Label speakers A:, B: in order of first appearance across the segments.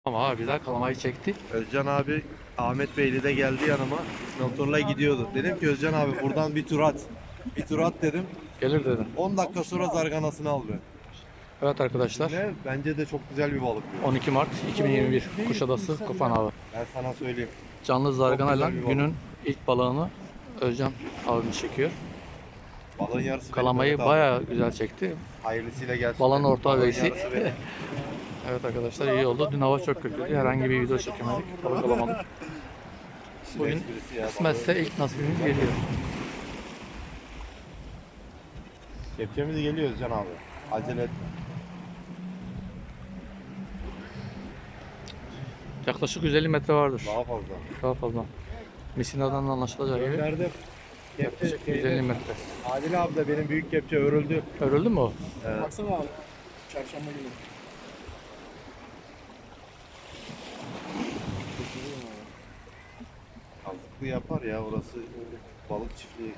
A: Ama abi güzel kalamayı çekti.
B: Özcan abi Ahmet Beyli de geldi yanıma. Motorla gidiyordu. Dedim ki Özcan abi buradan bir tur at. Bir tur at dedim.
A: Gelir dedim.
B: 10 dakika sonra zarganasını aldı.
A: Evet arkadaşlar.
B: Ne? Bence de çok güzel bir balık bu.
A: 12 Mart 2021 Kuşadası Kafan Avı.
B: Ben sana söyleyeyim.
A: Canlı zarganayla
B: güzel bir balık.
A: günün ilk balığını Özcan abimiz çekiyor.
B: Balığın yarısı benim,
A: Kalamayı
B: Mehmet abi.
A: bayağı güzel çekti.
B: Hayırlısıyla gelsin.
A: Balığın orta
B: Balığın
A: veysi.
B: yarısı benim.
A: Evet arkadaşlar iyi oldu. Dün hava çok kötüydü. Herhangi bir video çekemedik. Balık alamadık. Bugün
B: Esprisi ya,
A: kısmetse ilk nasibimiz geliyor.
B: Kepçemiz geliyor Özcan abi. Acele etme.
A: Yaklaşık 150 metre vardır.
B: Daha fazla.
A: Daha fazla. Misina'dan anlaşılacağı gibi.
B: Gönderdim. Kepçe
A: Yaklaşık 150 metre.
B: Adil abi de benim büyük kepçe örüldü.
A: Örüldü mü o?
B: Evet.
C: Baksana abi. Çarşamba günü.
B: Kazıklı yapar ya orası balık çiftliği.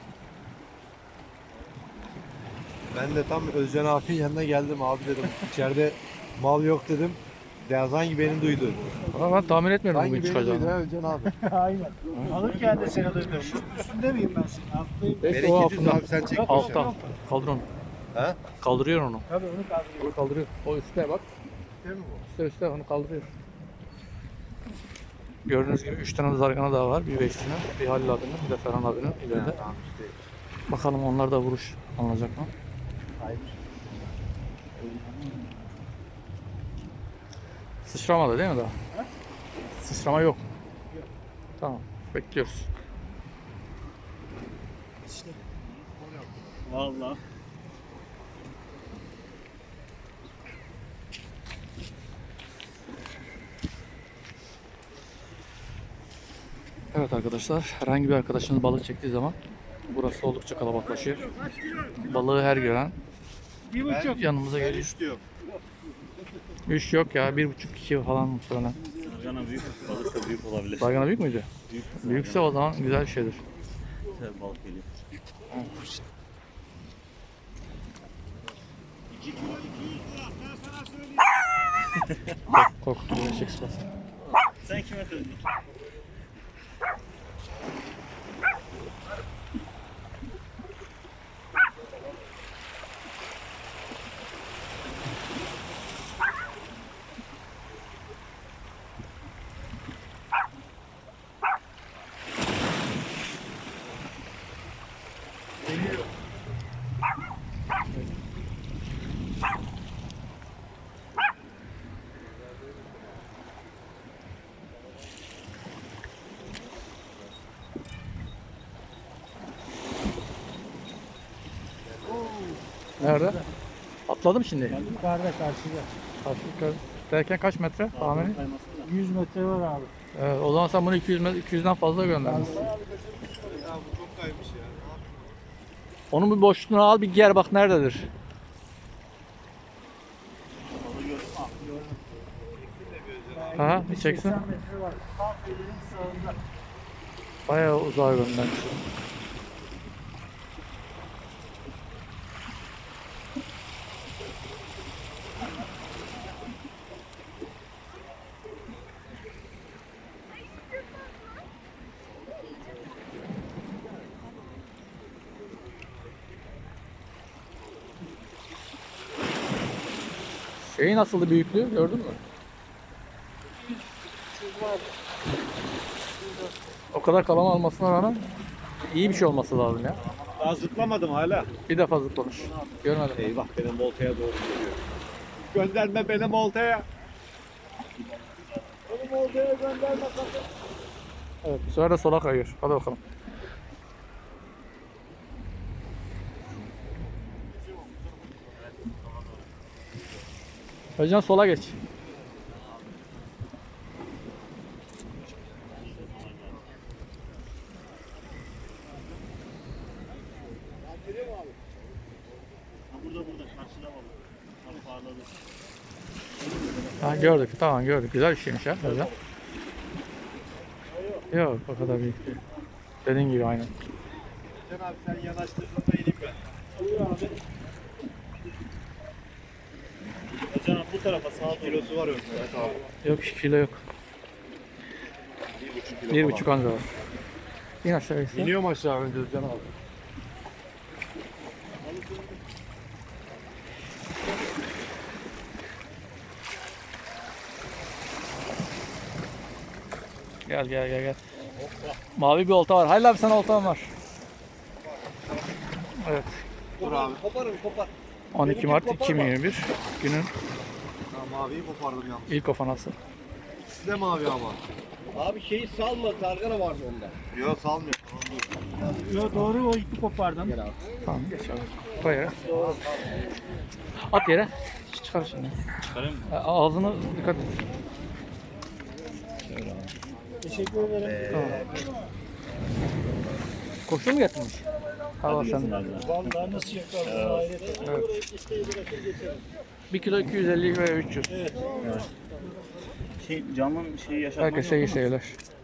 B: Ben de tam Özcan abinin yanına geldim abi dedim. İçeride mal yok dedim. De sanki beni duydu.
A: Ama ben tahmin etmiyorum
B: Sanki
A: bugün
B: beni duydu
A: çıkacağını.
B: ha Özcan abi.
C: Aynen. Alırken de seni duydum. Üstünde miyim ben senin? Alttayım.
A: Belki o
B: Bereket
A: altında.
B: abi sen çek.
A: Altta. Kaldır onu.
B: Ha?
A: Kaldırıyor onu.
C: Tabii onu kaldırıyorum.
A: Onu kaldırıyor. O üstte bak.
B: Değil mi bu?
A: Üstte onu kaldırıyor. Gördüğünüz gibi 3 tane zargana daha var. Bir Beşiktaş'ın, bir Halil abinin, bir de Ferhan abinin ileride.
B: Tamam işte.
A: Bakalım onlar da vuruş alınacak mı?
B: Hayır.
A: Sıçramadı değil mi daha? Sıçrama yok. Tamam. Bekliyoruz.
C: İşte. Vallahi.
A: Evet arkadaşlar, herhangi bir arkadaşınız balık çektiği zaman burası oldukça kalabalıklaşıyor. Balığı her gören
C: Bir buçuk.
A: yanımıza
B: Ben
A: geliyor.
B: istiyorum.
A: 3 yok ya, 1,5-2 falan muhtemelen.
D: Sargana büyük, balık da büyük olabilir.
A: Zargana büyük müydü?
D: Büyük,
A: Büyükse o zaman güzel bir şeydir.
D: güzel balık geliyor.
A: Korkuttu böyle eşek sıpası.
D: Sen kime kızdın?
A: Nerede? Atladım şimdi.
C: Yukarıda karşıda.
A: Karşı derken kaç metre tahmini?
C: 100 metre var abi.
A: Evet, o zaman sen bunu 200'den fazla göndermişsin.
B: Ya bu çok kaymış ya.
A: Onun bir boşluğunu al bir ger bak nerededir. Aha bir çeksin.
C: 80 metre var. Tam elinin sağında.
A: Bayağı uzağa göndermiş. Şeyi nasıldı büyüklüğü gördün mü? O kadar kalama almasına rağmen iyi bir şey olması lazım ya.
B: Daha zıplamadım hala.
A: Bir defa zıplamış. Görmedim.
B: Eyvah benim oltaya doğru geliyor. Gönderme benim oltaya. Benim oltaya gönderme sakın.
A: Evet, bu sefer de sola kayıyor. Hadi bakalım. Özcan sola geç.
D: Burada karşıda balık. Tam parladı.
A: Ha, gördük, tamam gördük. Güzel bir şeymiş ya Özcan. Yok, o kadar büyük değil. Dediğin gibi aynen.
B: Can abi sen yanaştırdığında ineyim ben.
D: Özcan bu tarafa sağa doğru.
B: Kilosu var Mehmet abi.
A: Yok kilo yok.
B: 1,5 kilo
A: 1,5 anca var. İn aşağı gitsin.
B: İniyor mu aşağı önce Özcan abi?
A: Gel gel gel gel. Mavi bir olta var. Hayır abi sana oltan var. Evet.
B: Dur abi. Koparım kopar.
A: 12 Mart 2021 günün
B: Ya maviyi kopardım yalnız.
A: ilk ofanası.
B: İkisi de mavi ama.
E: Abi şeyi salma, targana vardı onda.
B: Yok salmıyor.
C: Yo, doğru, o ipi kopardım.
A: Tamam geç abi. Koy yere. At yere. Çıkar şimdi.
D: Çıkarayım mı?
A: Ağzını dikkat et.
C: Teşekkür ederim.
A: Tamam. Koşu mu getirmiş? Hava sen.
C: Vallahi nasıl yakaladın hayret.
A: Evet. 1 kilo 250 ve 300.
D: Camın şeyi yaşatmak
A: Herkese iyi seyirler.